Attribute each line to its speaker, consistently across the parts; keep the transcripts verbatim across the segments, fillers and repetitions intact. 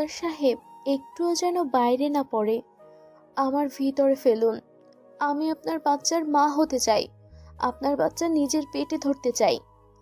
Speaker 1: Doctor সাহেব, একটুও যেন বাইরে না পড়ে। আমার ভিতরে ফেলুন। আমি আপনার বাচ্চার মা হতে চাই। আপনার বাচ্চা নিজের পেটে ধরতে চাই।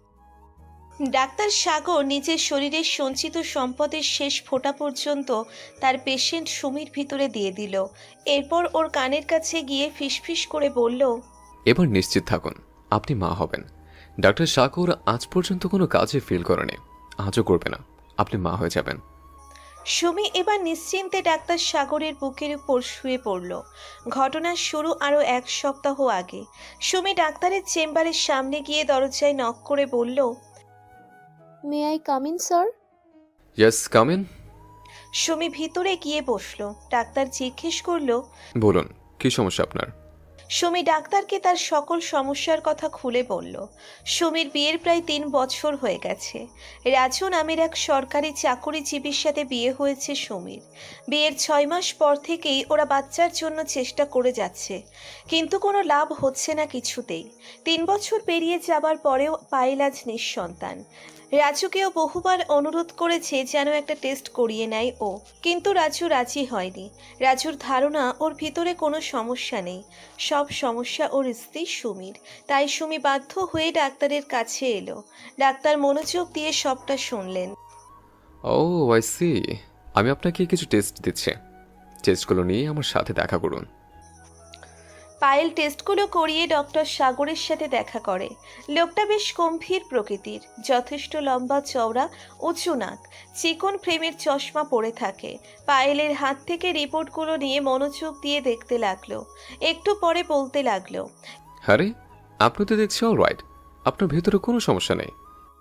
Speaker 2: ডাক্তার সাগর নিজের শরীরের সঞ্চিত সম্পদের শেষ ফোঁটা পর্যন্ত তার পেশেন্ট সুমির ভিতরে দিয়ে দিল। এরপর ওর কানের কাছে গিয়ে ফিসফিস করে বলল,
Speaker 3: এবার নিশ্চিত থাকুন আপনি মা হবেন। ডাক্তার সাগর আজ পর্যন্ত কোনো কাজে ফিল করেনি, আজও করবে না। আপনি মা হয়ে যাবেন।
Speaker 2: সুমি এবার নিশ্চিন্তে ডাক্তার সাগরের বুকের উপর শুয়ে পড়ল। ঘটনার শুরু আরও এক সপ্তাহ আগে। সুমি ডাক্তারের চেম্বারের সামনে গিয়ে দরজায় নক করে বলল,
Speaker 1: may I come in sir?
Speaker 3: Yes, come in.
Speaker 2: Sumi ভিতরে গিয়ে বসলো। ডাক্তার জিজ্ঞেস করলো,
Speaker 3: বলুন কি সমস্যা আপনার?
Speaker 2: সুমি ডাক্তারকে তার সকল সমস্যার কথা খুলে বলল। সুমির বিয়ের প্রায় তিন বছর হয়ে গেছে। রাজু নামের এক সরকারি চাকুরিজীবীর সাথে বিয়ে হয়েছে সুমির। বিয়ের ছয় মাস পর থেকেই ওরা বাচ্চার জন্য চেষ্টা করে যাচ্ছে, কিন্তু কোনো লাভ হচ্ছে না কিছুতেই। তিন বছর পেরিয়ে যাবার পরেও পায়েল আজ নিঃসন্তান। রাজুকেও বহুবার অনুরোধ করেছে যেন একটা টেস্ট করিয়ে নেয় ও, কিন্তু রাজু রাজি হয়নি। রাজুর ধারণা ওর ভিতরে কোনো সমস্যা নেই, সব সমস্যা ওর স্ত্রী সুমির। তাই সুমি বাধ্য হয়ে ডাক্তারের কাছে এলো। ডাক্তার মনোযোগ দিয়ে সবটা শুনলেন।
Speaker 3: Oh I see. আমি আপনাকে কিছু টেস্ট দিচ্ছি, টেস্টগুলো নিয়ে আমার সাথে দেখা করুন।
Speaker 2: পায়েল টেস্টগুলো করিয়ে ডক্টর সাগরের সাথে দেখা করে। লোকটা বেশ গম্ভীর প্রকৃতির, যথেষ্ট লম্বা চওড়া, উঁচু নাক, চিকন ফ্রেমের চশমা পরে থাকে। পায়েলের হাত থেকে রিপোর্টগুলো নিয়ে মনোযোগ দিয়ে দেখতে লাগলো। একটু পরে বলতে লাগলো,
Speaker 3: আরে আপনি তো দেখছি অল রাইট, আপনার ভেতরে কোনো সমস্যা নেই।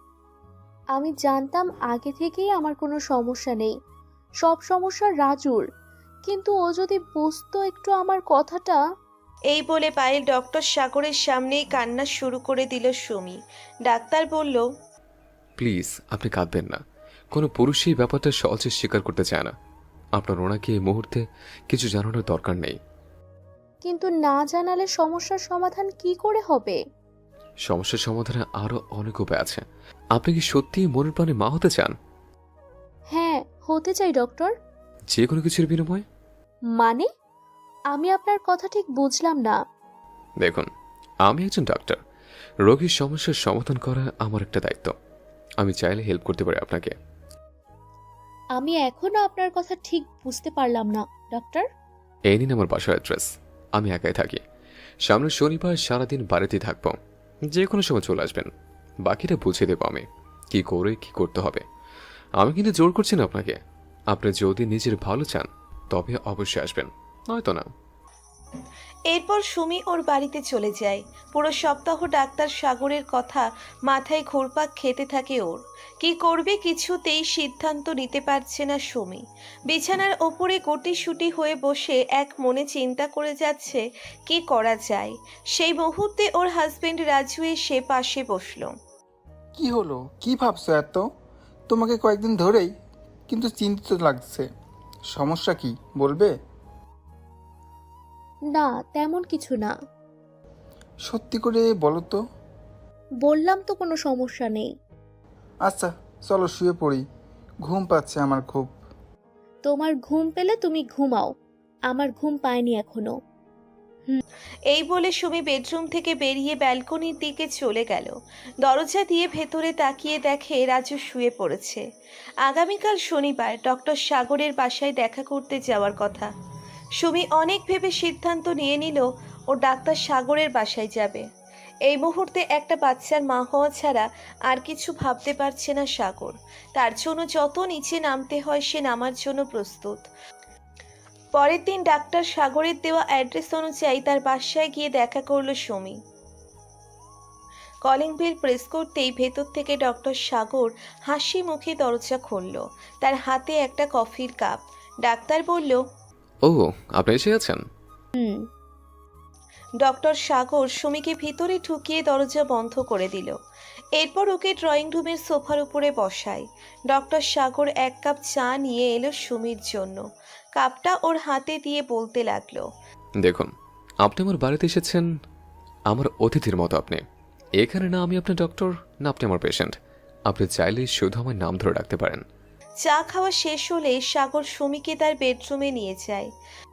Speaker 1: আমি জানতাম আগে থেকেই আমার কোনো সমস্যা নেই, সব সমস্যা রাজুর। কিন্তু ও যদি বুঝতো একটু আমার কথাটা।
Speaker 2: এই বলে পায়েল ডক্টর সাগরের সামনেই কান্না শুরু করে দিল সুমি। ডাক্তার বলল,
Speaker 3: প্লিজ আপনি কাঁদবেন না। কোনো পুরুষই ব্যাপারটা সহজে স্বীকার করতে চায় না। আপনার ওনাকে এই মুহূর্তে কিছু জানানোর দরকার নেই।
Speaker 1: কিন্তু না জানালে সমস্যার সমাধান কি করে হবে?
Speaker 3: সমস্যার সমাধানে আরো অনেক উপায় আছে। আপনি কি সত্যিই মনের প্রাণে মা হতে চান?
Speaker 1: হ্যাঁ, হতে চাই ডক্টর।
Speaker 3: যে কোনো কিছুর বিনিময়ে?
Speaker 1: মানে? আমি আপনার কথা ঠিক বুঝলাম না।
Speaker 3: দেখুন, আমি একজন ডাক্তার। রোগীর সমস্যার সমাধান করা আমার একটা দায়িত্ব। আমি চাইলে হেল্প করতে পারি আপনাকে।
Speaker 1: আমি এখনো আপনার কথা ঠিক বুঝতে পারলাম না ডক্টর।
Speaker 3: এই নিন আমার বাসার অ্যাড্রেস। আমি একাই থাকি। সামনের শনিবার সারাদিন বাড়িতেই থাকবো, যে কোনো সময় চলে আসবেন। বাকিটা বুঝিয়ে দেবো আমি কি করে কি করতে হবে। আমি কিন্তু জোর করছি না আপনাকে। আপনি যদি নিজের ভালো চান তবে অবশ্যই আসবেন, নয়তো না।
Speaker 2: এরপর সুমি ওর বাড়িতে চলে যায়। পুরো সপ্তাহ ডাক্তার সাগরের কথা মাথায় ঘুরপাক খেতে থাকে ওর। কি করবে কিছুতেই সিদ্ধান্ত নিতে পারছে না সুমি। বিছানার ওপরে গুটিসুটি হয়ে বসে এক মনে চিন্তা করে যাচ্ছে কি করা যায়। সেই মুহূর্তে ওর হাজবেন্ড রাজু এসে পাশে বসলো।
Speaker 4: কি হলো, কি ভাবছো এত? তোমাকে কয়েকদিন ধরেই কিন্তু চিন্তিত লাগছে। সমস্যা কি বলবে?
Speaker 1: না, তেমন কিছু না।
Speaker 4: সত্যি করে বলো তো।
Speaker 1: বললাম তো কোনো সমস্যা নেই।
Speaker 4: আচ্ছা চলো শুয়ে পড়ি, ঘুম পাচ্ছে আমার খুব।
Speaker 1: তোমার ঘুম পেলে তুমি ঘুমাও, আমার ঘুম পায়নি এখনো।
Speaker 2: এই বলে সুমি বেডরুম থেকে বেরিয়ে ব্যালকনির দিকে চলে গেল। দরজা দিয়ে ভেতরে তাকিয়ে দেখে রাজু শুয়ে পড়েছে। আগামীকাল শনিবার ডক্টর সাগরের বাসায় দেখা করতে যাওয়ার কথা। সুমি অনেক ভেবে সিদ্ধান্ত নিয়ে নিল ও ডাক্তার সাগরের বাসায় যাবে। এই মুহূর্তে একটা বাচ্চার মা হওয়া ছাড়া আর কিছু ভাবতে পারছে না সাগর। তার জন্য যত নিচে নামতে হয় সে নামার জন্য প্রস্তুত। পরের দিন ডাক্তার সাগরের দেওয়া অ্যাড্রেস অনুযায়ী তার বাসায় গিয়ে দেখা করলো সুমি। কলিং বেল প্রেস করতেই ভেতর থেকে ডক্টর সাগর হাসি মুখে দরজা খুলল। তার হাতে একটা কফির কাপ। ডাক্তার বলল,
Speaker 3: ও আপনি এসে গেছেন।
Speaker 1: হুম।
Speaker 2: ডক্টর সাগর সুমিকে ভিতরে ঢুকিয়ে দরজা বন্ধ করে দিল। এরপর ওকে ড্রয়িং রুমের সোফার উপরে বসায়। ডক্টর সাগর এক কাপ চা নিয়ে এলো সুমির জন্য। কাপটা ওর হাতে দিয়ে বলতে লাগলো,
Speaker 3: দেখুন, আপনি আমার বাড়িতে এসেছেন আমার অতিথির মতো। আপনি এখানে না আমি আপনার ডক্টর, না আপনি আমার পেশেন্ট। আপনি চাইলে শুধু আমার নাম ধরে রাখতে পারেন।
Speaker 2: চা খাওয়া শেষ হলে সাগর সুমিকে তার বেডরুমে নিয়ে যায়।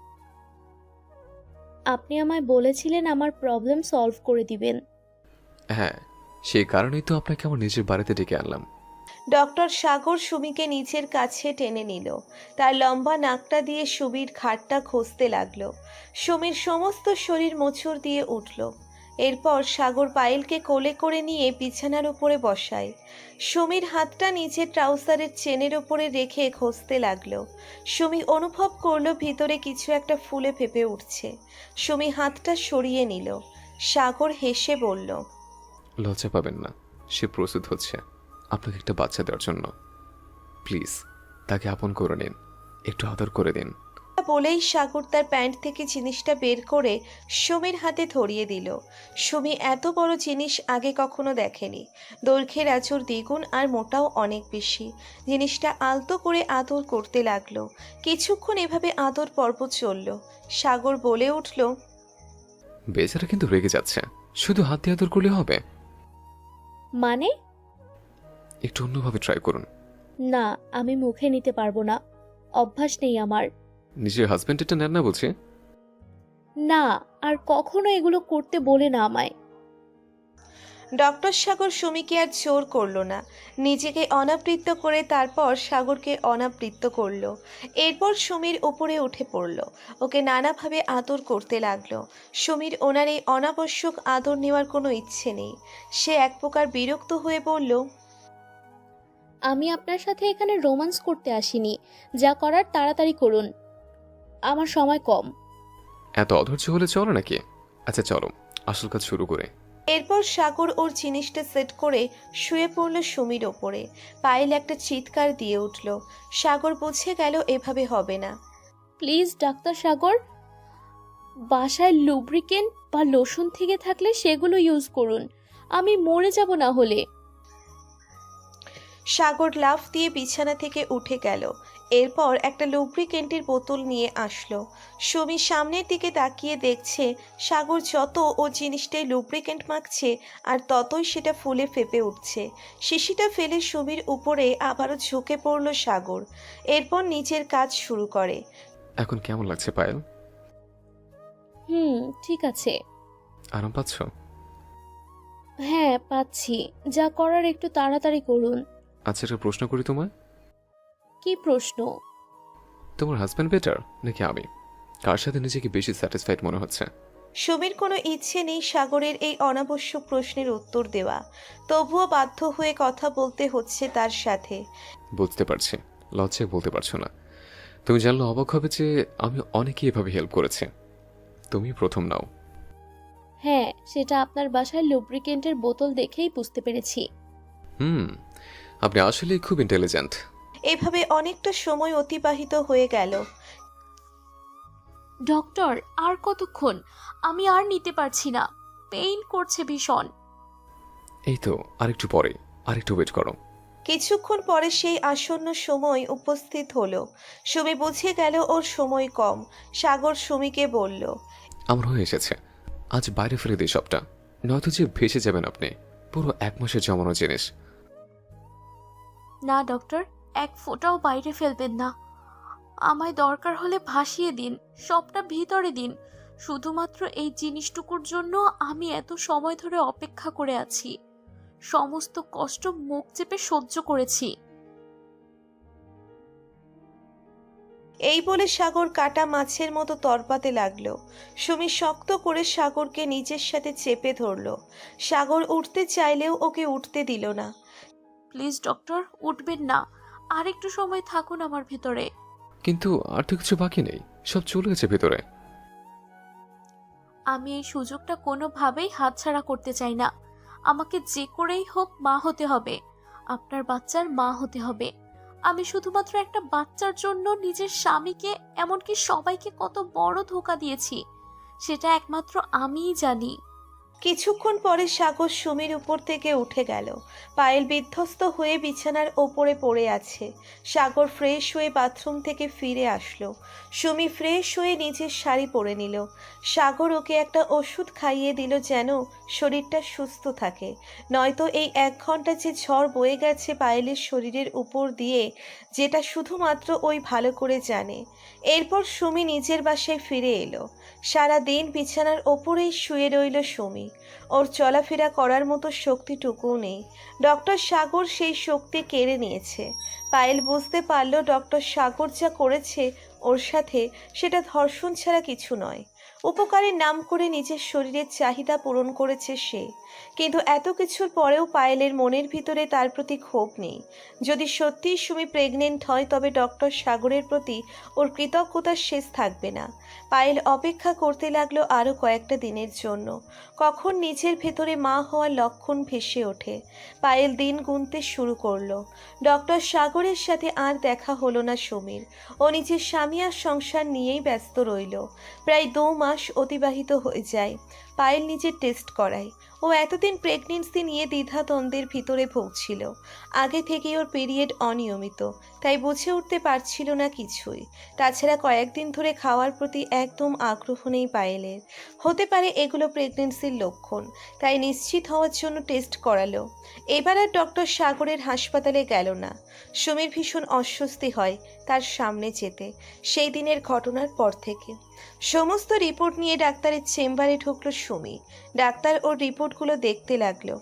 Speaker 1: আপনি আমায় বলেছিলেন আমার প্রবলেম সলভ করে দিবেন।
Speaker 3: হ্যাঁ, সেই কারণেই তো আপনাকে আমার নিজের বাড়িতে ডেকে আনলাম।
Speaker 2: ডক্টর সাগর সুমিকে নিজের কাছে টেনে নিল। তার লম্বা নাকটা দিয়ে সুমির ঘাড়টা ঘষতে লাগলো। সুমির সমস্ত শরীর মোচড় দিয়ে উঠল। এরপর সাগর পায়েলকে কোলে করে নিয়ে বিছানার উপরে বসায়। সুমির হাতটা নিচে ট্রাউজারের চেনের উপরে রেখে ঘষতে লাগলো। সুমি অনুভব করলো ভিতরে কিছু একটা ফুলে ফেপে উঠছে। সুমি হাতটা সরিয়ে নিল। সাগর হেসে বলল,
Speaker 3: লজ্জা পাবেন না, সে প্রস্তুত হচ্ছে আপনাকে একটা বাচ্চা দেওয়ার জন্য। প্লিজ তাকে আপন করে নিন, একটু আদর করে দিন।
Speaker 2: বলেই সাগর তার প্যান্ট থেকে জিনিসটা বের করে সুমির হাতে ধরিয়ে দিল। সুমি এত বড় জিনিস আগে কখনো দেখেনি। দৈর্ঘ্যের আঁচড় দ্বিগুণ আর মোটাও অনেক বেশি। জিনিসটা আলতো করে আদর করতে লাগলো। কিছুক্ষণ এভাবে আদর পর্ব চলল। সাগর বলে উঠল,
Speaker 3: বেচারা কিন্তু রেগে যাচ্ছে, শুধু হাত দিয়ে আদর করলে হবে?
Speaker 1: মানে?
Speaker 3: একটু অন্যভাবে ট্রাই করুন।
Speaker 1: না, আমি মুখে নিতে পারবো না, অভ্যাস নেই আমার।
Speaker 3: নিজের হাজব্যান্ড এটা নেন না বলছে।
Speaker 1: না, আর কখনো এগুলো করতে বলে না আমায়।
Speaker 2: ডক্টর সাগর সুমিকে আর জোর করলো না। নিজেকে অনাবৃত্ত করে তারপর সাগরকে অনাবৃত্ত করলো। এরপর সুমির উপরে উঠে পড়ল। ওকে নানাভাবে আদর করতে লাগলো। সুমির ওনার এই অনাবশ্যক আদর নেওয়ার কোনো ইচ্ছে নেই। সে এক প্রকার বিরক্ত হয়ে বলল,
Speaker 1: আমি আপনার সাথে এখানে রোম্যান্স করতে আসিনি, যা করার তাড়াতাড়ি করুন, আমার সময় কম।
Speaker 3: এত অধৈর্য হলে চলো নাকি? আচ্ছা চলো, আসল কাজ শুরু করে।
Speaker 2: এরপর সাগর ওর জিনিসটা সেট করে শুয়ে পড়ল সুমির ওপরে। পায়েল একটা চিৎকার দিয়ে উঠল। সাগর বুঝে গেল এভাবে হবে না।
Speaker 1: প্লিজ ডাক্তার সাগর, বাসায় লুব্রিকেন্ট বা লোশন থেকে থাকলে সেগুলো ইউজ করুন, আমি মরে যাব না হলে।
Speaker 2: সাগর লাফ দিয়ে বিছানা থেকে উঠে গেল। এরপর একটা লুব্রিকেন্টের বোতল নিয়ে আসলো। সুমি সামনের দিকে তাকিয়ে দেখছে সাগর যত ও জিনিসটাই লুব্রিকেন্ট মাখছে আর ততই সেটা ফুলে ফেপে উঠছে। শিশিটা ফেলে সুমির উপরে আবারও ঝুঁকে পড়ল সাগর। এরপর নিজের কাজ শুরু করে।
Speaker 3: এখন কেমন লাগছে পায়েল?
Speaker 1: হুম, ঠিক আছে।
Speaker 3: আরাম পাচ্ছ?
Speaker 1: হ্যাঁ পাচ্ছি, যা করার একটু তাড়াতাড়ি করুন।
Speaker 3: আচ্ছা একটা প্রশ্ন করি তোমায়।
Speaker 1: কি প্রশ্ন?
Speaker 3: তোমার হাজব্যান্ড বেটার নাকি আমি? কার সাথে নিজেকে বেশি স্যাটিসফাইড মনে হচ্ছে?
Speaker 2: সুমির কোনো ইচ্ছে নেই সাগরের এই অনাবশ্যক প্রশ্নের উত্তর দেওয়া। তবুও বাধ্য হয়ে কথা বলতে হচ্ছে তার সাথে।
Speaker 3: বুঝতে পারছি, লজ্জায় বলতে পারছো না। তুমি জানলে অবাক হবে যে আমি অনেকেই এভাবে হেল্প করেছি, তুমি প্রথম নাও।
Speaker 1: হ্যাঁ, সেটা আপনার বাসায় লুব্রিকেন্টের বোতল দেখেই বুঝতে পেরেছি।
Speaker 3: হুম, আপনি আসলেই খুব ইন্টেলিজেন্ট।
Speaker 2: এভাবে অনেকটা সময় অতিবাহিত হয়ে গেল।
Speaker 1: ডক্টর, আর কতক্ষণ? আমি আর নিতে পারছি না, পেইন করছে ভীষণ।
Speaker 3: এই তো আরেকটু পরে, আরেকটু ওয়েট করো।
Speaker 2: কিছুক্ষণ পরে সেই আসন্ন সময় উপস্থিত হলো। সুমি বুঝে গেল ওর সময় কম। সাগর সুমিকে বলল,
Speaker 3: আমার হয়ে এসেছে, আজ বাইরে ফেলে দিই সবটা, নয়তো যে ভেসে যাবেন আপনি। পুরো এক মাসের জমানো জিনিস।
Speaker 1: না ডক্টর, এক ফোঁটাও বাইরে ফেলবেন না, আমায় দরকার হলে ভাসিয়ে দিন, সবটা ভিতরে দিন। শুধুমাত্র এই জিনিসটুকুর জন্য আমি এত সময় ধরে অপেক্ষা করে আছি, সমস্ত কষ্ট মুখ চেপে সহ্য করেছি।
Speaker 2: এই বলে সাগর কাটা মাছের মতো তরপাতে লাগলো। সুমি শক্ত করে সাগরকে নিজের সাথে চেপে ধরল। সাগর উঠতে চাইলেও ওকে উঠতে দিল না।
Speaker 1: প্লিজ ডক্টর, উঠবেন না, আর একটু সময় থাকুন আমার ভেতরে।
Speaker 3: কিন্তু আর তো কিছু বাকি নেই, সব চলে গেছে ভেতরে।
Speaker 1: আমি এই সুযোগটা কোনোভাবেই হাতছাড়া করতে চাই না। আমাকে যে করেই হোক মা হতে হবে, আপনার বাচ্চার মা হতে হবে। আমি শুধুমাত্র একটা বাচ্চার জন্য নিজের স্বামীকে, এমনকি সবাইকে কত বড় ধোঁকা দিয়েছি, সেটা একমাত্র আমিই জানি।
Speaker 2: কিছুক্ষণ পরে সাগর সুমির উপর থেকে উঠে গেল। পায়েল বিধ্বস্ত হয়ে বিছানার ওপরে পড়ে আছে। সাগর ফ্রেশ হয়ে বাথরুম থেকে ফিরে আসলো। সুমি ফ্রেশ হয়ে নিজের শাড়ি পরে নিল। সাগর ওকে একটা ওষুধ খাইয়ে দিল যেন শরীরটা সুস্থ থাকে, নয়তো এই এক ঘন্টা যে ঝড় বয়ে গেছে পায়েলের শরীরের উপর দিয়ে, যেটা শুধুমাত্র ওই ভালো করে জানে। এরপর সুমি নিজের বাসায় ফিরে এলো। সারা দিন বিছানার ওপরেই শুয়ে রইল সুমি। ওর চলাফেরা করার মতো শক্তিটুকুও নেই। ডক্টর সাগর সেই শক্তি কেড়ে নিয়েছে। পায়েল বুঝতে পারল ডক্টর সাগর যা করেছে ওর সাথে, সেটা ধর্ষণ ছাড়া কিছু নয়। উপকারের নাম করে নিজের শরীরের চাহিদা পূরণ করেছে সে। কিন্তু এত কিছুর পরেও পায়েলের মনের ভিতরে তার প্রতি ক্ষোভ নেই। যদি সত্যিই সুমি প্রেগনেন্ট হয় তবে ডক্টর সাগরের প্রতি ওর কৃতজ্ঞতার শেষ থাকবে না। পায়েল অপেক্ষা করতে লাগলো আরও কয়েকটা দিনের জন্য, কখন নিজের ভেতরে মা হওয়ার লক্ষণ ভেসে ওঠে। পায়েল দিন গুনতে শুরু করলো। ডক্টর সাগরের সাথে আর দেখা হলো না সুমির। ও নিজের স্বামী আর সংসার নিয়েই ব্যস্ত রইল। প্রায় দু মাস অতিবাহিত হয়ে যায়। পায়েল নিজের টেস্ট করায়। ও এতদিন প্রেগনেন্সি নিয়ে দ্বিধাদ্বন্দ্বের ভিতরে ভুগছিল। আগে থেকেই ওর পিরিয়ড অনিয়মিত, তাই বুঝে উঠতে পারছিল না কিছুই। তাছাড়া কয়েকদিন ধরে খাওয়ার প্রতি একদম আগ্রহ নেই পায়েলের। হতে পারে এগুলো প্রেগনেন্সির লক্ষণ, তাই নিশ্চিত হওয়ার জন্য টেস্ট করালো। এবার আর ডক্টর সাগরের হাসপাতালে গেল না। সুমির ভীষণ অস্বস্তি হয় তার সামনে যেতে, সেই দিনের ঘটনার পর থেকে। সমস্ত রিপোর্ট নিয়ে ডাক্তারের চেম্বারে ঢুকলো সুমি। ডাক্তার ওর রিপোর্টগুলো দেখতে লাগলো।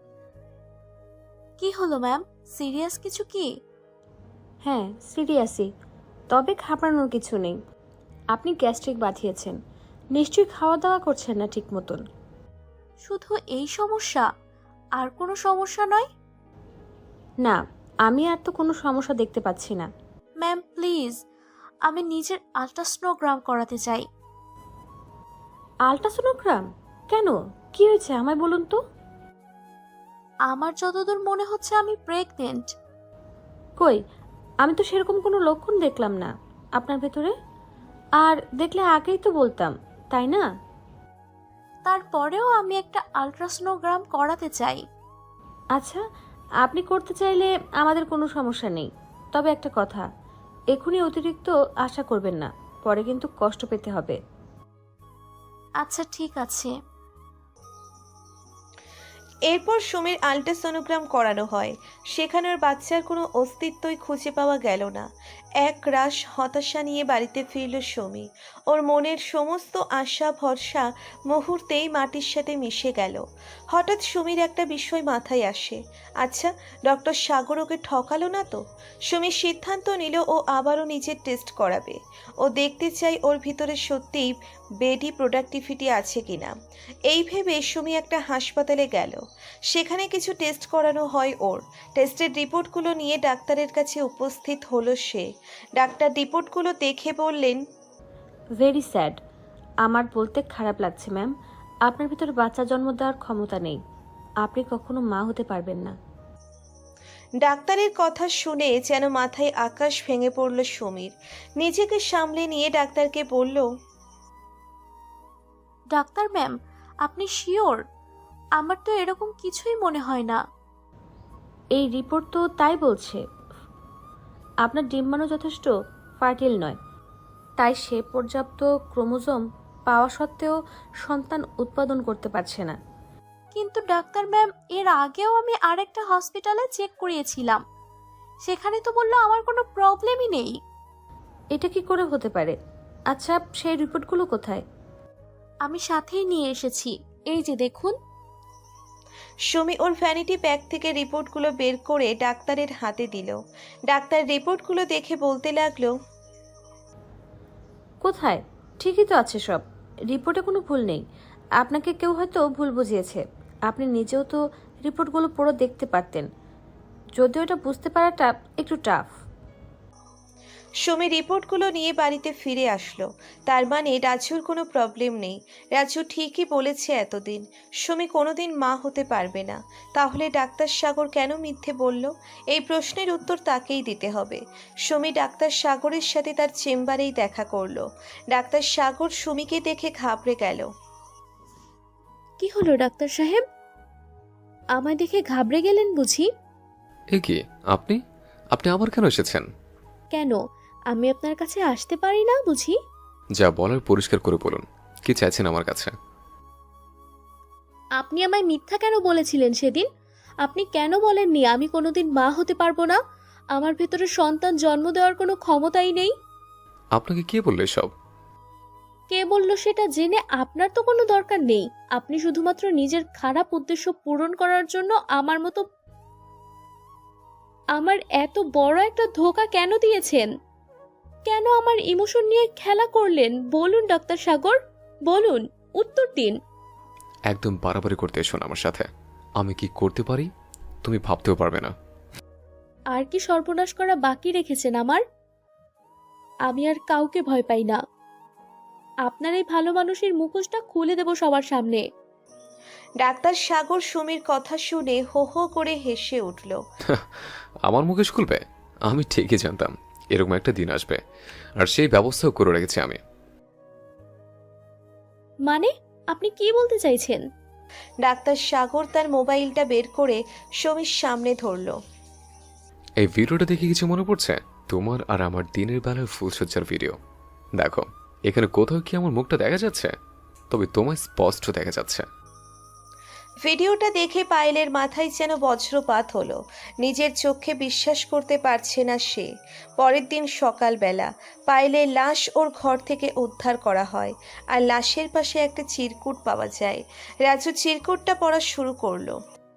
Speaker 1: কি হলো ম্যাম, সিরিয়াস কিছু কি?
Speaker 5: হ্যাঁ, সিরিয়াসই, তবে ঘাবড়ানোর কিছু নেই। আপনি গ্যাস্ট্রিক বাঁধিয়েছেন, নিশ্চয়ই খাওয়া দাওয়া করছেন না ঠিক মতন।
Speaker 1: শুধু এই সমস্যা, আর কোনো সমস্যা নয়?
Speaker 5: না, আমি আর তো কোনো সমস্যা দেখতে পাচ্ছি না।
Speaker 1: ম্যাম প্লিজ, আমি নিজের আল্ট্রাসোনোগ্রাম করাতে চাই।
Speaker 5: আল্ট্রাসোনোগ্রাম? কেন, কি হয়েছে আমায় বলুন তো।
Speaker 1: আমার যতদূর মনে হচ্ছে আমি প্রেগনেন্ট।
Speaker 5: কই, আমি তো সেরকম কোনো লক্ষণ দেখলাম না আপনার ভেতরে। আর দেখলে আগেই তো বলতাম, তাই না?
Speaker 1: তারপরেও আমি একটা আল্ট্রাসোনোগ্রাম করাতে চাই।
Speaker 5: আচ্ছা, আপনি করতে চাইলে আমাদের কোনো সমস্যা নেই। তবে একটা কথা, এখনই অতিরিক্ত আশা করবেন না, পরে কিন্তু কষ্ট পেতে হবে।
Speaker 1: আচ্ছা ঠিক আছে।
Speaker 2: এরপর সুমির আল্ট্রাসোনোগ্রাম করানো হয়। সেখানে ওর বাচ্চার কোনো অস্তিত্বই খুঁজে পাওয়া গেল না। এক রাশ হতাশা নিয়ে বাড়িতে ফিরল সুমি। ওর মনের সমস্ত আশা ভরসা মুহূর্তেই মাটির সাথে মিশে গেল। হঠাৎ সুমির একটা বিষয় মাথায় আসে। আচ্ছা, ডক্টর সাগর ওকে ঠকালো না তো? সুমি সিদ্ধান্ত নিল ও আবারও নিজের টেস্ট করাবে। ও দেখতে চাই ওর ভিতরে সত্যিই বেডি প্রোডাক্টিভিটি আছে কিনা। এই ভেবে সুমি একটা হাসপাতালে গেল। সেখানে কিছু টেস্ট করানো হয় ওর। টেস্টের রিপোর্টগুলো নিয়ে ডাক্তারের কাছে উপস্থিত হলো সে। ডাক্তার রিপোর্টগুলো দেখে বললেন,
Speaker 5: ভেরি স্যাড। আমার বলতে খারাপ লাগছে ম্যাম, আপনার ভিতরে বাচ্চা জন্ম দেওয়ার ক্ষমতা নেই। আপনি কখনো মা হতে পারবেন না।
Speaker 2: ডাক্তারের কথা শুনে যেন মাথায় আকাশ ভেঙে পড়ল সুমির। নিজেকে সামলে নিয়ে ডাক্তারকে বলল,
Speaker 1: ডাক্তার ম্যাম, আপনি শিওর? আমার তো এরকম কিছুই মনে হয় না।
Speaker 5: এই রিপোর্ট তো তাই বলছে। আপনার ডিম্বাণু যথেষ্ট ফার্টিল নয়, তাই সে পর্যাপ্ত ক্রোমোজোম পাওয়া সত্ত্বেও সন্তান উৎপাদন করতে পারছে না।
Speaker 1: কিন্তু ডাক্তার ম্যাম, এর আগেও আমি আরেকটা হসপিটালে চেক করিয়েছিলাম, সেখানে তো বললো আমার কোনো প্রবলেমই নেই।
Speaker 5: এটা কি করে হতে পারে? আচ্ছা, সেই রিপোর্টগুলো কোথায়?
Speaker 1: আমি সাথেই নিয়ে এসেছি, এই যে দেখুন।
Speaker 2: সুমি ওর ভ্যানিটি ব্যাগ থেকে রিপোর্টগুলো বের করে ডাক্তারের হাতে দিল। ডাক্তার রিপোর্টগুলো দেখে বলতে লাগলো,
Speaker 5: কোথায়? ঠিকই তো আছে সব, রিপোর্টে কোনো ভুল নেই। আপনাকে কেউ হয়তো ভুল বুঝিয়েছে। আপনি নিজেও তো রিপোর্টগুলো পুরো দেখতে পারতেন, যদিও এটা বুঝতে পারাটা একটু টাফ।
Speaker 2: সুমি রিপোর্টগুলো নিয়ে বাড়িতে ফিরে আসলো। তার মানে রাজুর কোনো প্রবলেম নেই। রাজু ঠিকই বলেছে এতদিন, সুমি কোনোদিন মা হতে পারবে না। তাহলে ডাক্তার সাগর কেন মিথ্যে বলল? এই প্রশ্নের উত্তর তাকেই দিতে হবে। সুমি ডাক্তার সাগরের সাথে তার চেম্বারেই দেখা করলো। ডাক্তার সাগর সুমিকে দেখে ঘাবড়ে গেল।
Speaker 1: কি হলো ডাক্তার সাহেব? আমায় দেখে ঘাবড়ে গেলেন বুঝি?
Speaker 3: এ কি আপনি আপনি আবার কেন এসেছেন?
Speaker 1: কেন, আমি আপনার কাছে আসতে পারি না বুঝি?
Speaker 3: যা বলার পরিষ্কার করে বলুন, কি চাইছেন আমার কাছে?
Speaker 1: আপনি আমায় মিথ্যা কেন বলেছিলেন সেদিন? আপনি কেন বলেননি আমি কোনোদিন মা হতে পারবো না? আমার ভেতরে সন্তান জন্ম দেওয়ার কোনো ক্ষমতাই নেই।
Speaker 3: আপনাকে কে বললো সব?
Speaker 1: কে বলল সেটা জেনে আপনার তো কোনো দরকার নেই। আপনি শুধুমাত্র নিজের খারাপ উদ্দেশ্য পূরণ করার জন্য আমার মতো আমার এত বড় একটা ধোঁকা কেন দিয়েছেন? কেন আমার ইমোশন নিয়ে খেলা করলেন? বলুন ডাক্তার সাগর, বলুন, উত্তর দিন।
Speaker 3: একদম বাড়াবাড়ি করতে এসো না আমার সাথে। আমি কি করতে পারি তুমি ভাবতেও পারবে না।
Speaker 1: আর কি সর্বনাশ করা বাকি রেখেছেন আমার? আমি আর কাউকে ভয় পাই না। আপনার এই ভালো মানুষের মুখোশটা খুলে দেব সবার সামনে।
Speaker 2: ডাক্তার সাগর সুমির কথা শুনে হো হো করে হেসে উঠল।
Speaker 3: আমার মুখে খুলবে? আমি ঠিকই জানতাম এরকম একটা দিন আসবে, আর সেই ব্যবস্থাও করে রেখেছি আমি।
Speaker 1: মানে আপনি কি বলতে চাইছেন?
Speaker 2: ডাক্তার সাগর তার মোবাইলটা বের করে সুমির সামনে ধরল।
Speaker 3: এই ভিডিওটা দেখে কিছু মনে পড়ছে? তোমার আর আমার দিনের বেলার ফুলসজ্জার ভিডিও। দেখো এখানে কোথাও কি আমার মুখটা দেখা যাচ্ছে? তবে তোমায় স্পষ্ট দেখা যাচ্ছে।
Speaker 2: ভিডিওটা দেখে পায়েলের মাথায় যেন বজ্রপাত হলো। নিজের চোখে বিশ্বাস করতে পারছে না সে। পরের দিন সকালবেলা পায়েলের লাশ ওর ঘর থেকে উদ্ধার করা হয়, আর লাশের পাশে একটা চিরকুট পাওয়া যায়। রাজু চিরকুটটা পড়া শুরু করলো।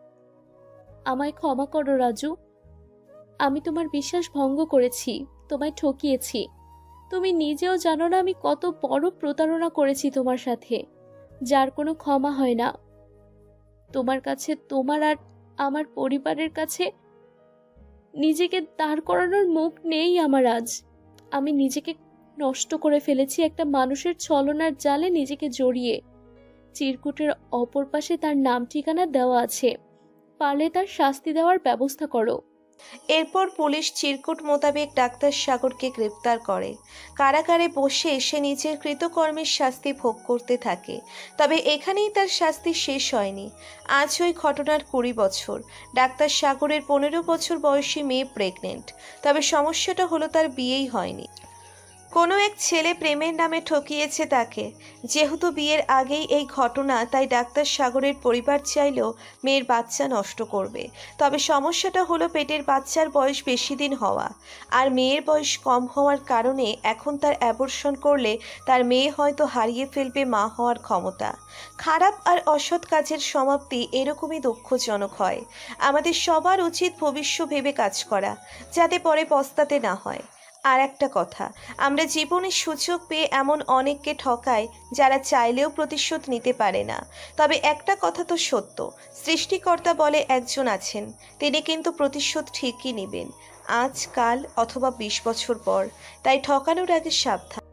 Speaker 1: আমায় ক্ষমা করো রাজু, আমি তোমার বিশ্বাস ভঙ্গ করেছি, তোমায় ঠকিয়েছি। তুমি নিজেও জানো না আমি কত বড় প্রতারণা করেছি তোমার সাথে, যার কোনো ক্ষমা হয় না। তোমার কাছে, তোমার আর আমার পরিবারের কাছে নিজেকে দাঁড় করানোর মুখ নেই আমার আজ। আমি নিজেকে নষ্ট করে ফেলেছি একটা মানুষের ছলনার জালে নিজেকে জড়িয়ে। চিরকুটের অপর পাশে তার নাম ঠিকানা দেওয়া আছে, পারলে তার শাস্তি দেওয়ার ব্যবস্থা করো।
Speaker 2: এরপর পুলিশ চিরকুট মোতাবেক ডাক্তার সাগরকে গ্রেপ্তার করে। কারাগারে বসে সে নিজের কৃতকর্মের শাস্তি ভোগ করতে থাকে। তবে এখানেই তার শাস্তি শেষ হয়নি। আজ ওই ঘটনার কুড়ি বছর। ডাক্তার সাগরের পনেরো বছর বয়সী মেয়ে প্রেগনেন্ট। তবে সমস্যাটা হলো তার বিয়েই হয়নি। কোনো এক ছেলে প্রেমের নামে ঠকিয়েছে তাকে। যেহেতু বিয়ের আগেই এই ঘটনা, তাই ডাক্তার সাগরের পরিবার চাইলেও মেয়ের বাচ্চা নষ্ট করবে। তবে সমস্যাটা হলো পেটের বাচ্চার বয়স বেশি দিন হওয়া, আর মেয়ের বয়স কম হওয়ার কারণে এখন তার অ্যাবর্শন করলে তার মেয়ে হয়তো হারিয়ে ফেলবে মা হওয়ার ক্ষমতা। খারাপ আর অসৎ কাজের সমাপ্তি এরকমই দুঃখজনক হয়। আমাদের সবার উচিত ভবিষ্য ভেবে কাজ করা, যাতে পরে পস্তাতে না হয়। আর একটা কথা, আমরা জীবনে সুযোগ পেয়ে এমন অনেককে ঠকাই যারা চাইলেও প্রতিশোধ নিতে পারে না। তবে একটা কথা তো সত্য, সৃষ্টিকর্তা বলে একজন আছেন, তিনি কিন্তু প্রতিশোধ ঠিকই নেবেন, আজ কাল অথবা বিশ বছর পর। তাই ঠকানোর আগে সাবধান।